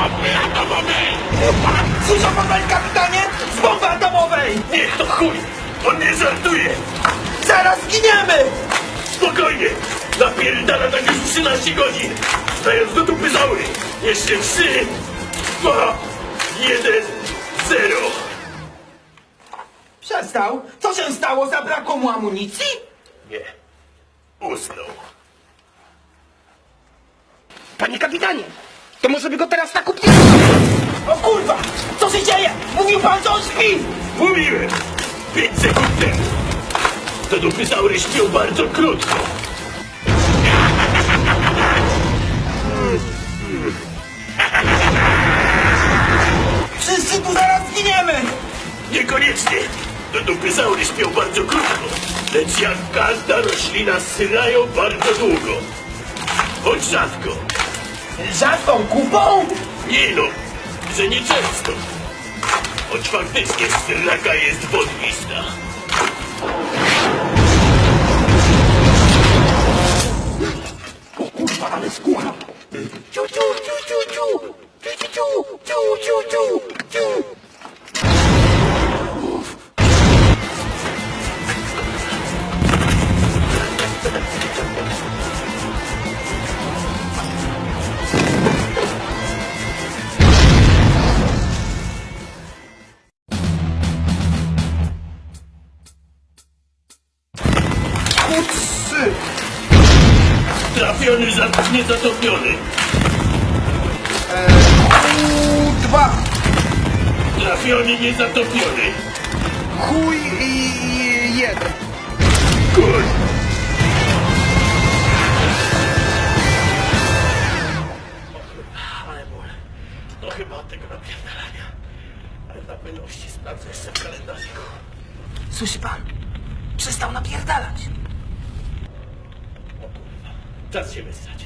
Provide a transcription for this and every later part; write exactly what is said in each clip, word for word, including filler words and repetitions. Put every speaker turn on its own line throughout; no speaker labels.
bomby atomowej!
Słyszał pan, panie kapitanie? Z bomby atomowej!
Niech to chuj! On nie żartuje!
Zaraz zginiemy!
Spokojnie! Napierdala tak już trzynaście godzin! Stając do dupy zaury! Jeszcze trzy, dwa, jeden, zero!
Przestał? Co się stało? Zabrakło mu amunicji?
Nie. Usnął.
Panie kapitanie, to może by go teraz tak upnie... O kurwa! Co się dzieje? Mówił pan, że on śpi!
Mówiłem! Pięć sekund temu! To dupy zaury śpią bardzo krótko!
Wszyscy tu zaraz zginiemy!
Niekoniecznie! To dupy zaury śpią bardzo krótko, lecz jak każda roślina syrają bardzo długo. Choć rzadko.
Rzadką kupą?
Nie no, że nie często. Choć faktycznie syraka jest wodnista.
O kurwa, ale skóra! Ciu, ciu, ciu, ciu, ciu! Ciu, ciu, ciu, ciu, ciu, ciu, ciu! Trzy!
Trafiony, za, niezatopiony.
Dwa!
Trafiony, niezatopiony.
Chuj i jeden!
Kur... Ale ból. To chyba od tego napierdalania. Ale na pewności sprawdzę jeszcze w kalendarzyku.
Słyszy pan? Przestał napierdalać.
O kurwa, czas się wysrać.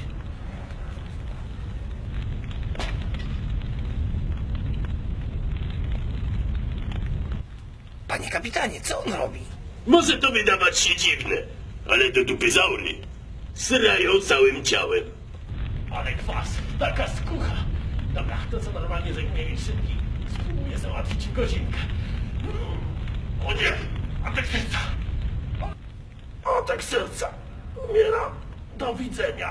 Panie kapitanie, co on robi?
Może to wydawać się dziwne, ale do dupy zaury srają całym ciałem. Ale kwas, taka skucha. Dobra, to co normalnie zajmuje mi szybki, spróbuję załatwić w godzinkę. O nie, atak serca. O, atak serca. Umieram. Do widzenia.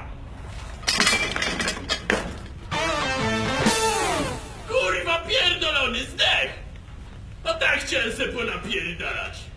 Kurwa pierdolony zdech! No tak chciałem se ponapierdalać.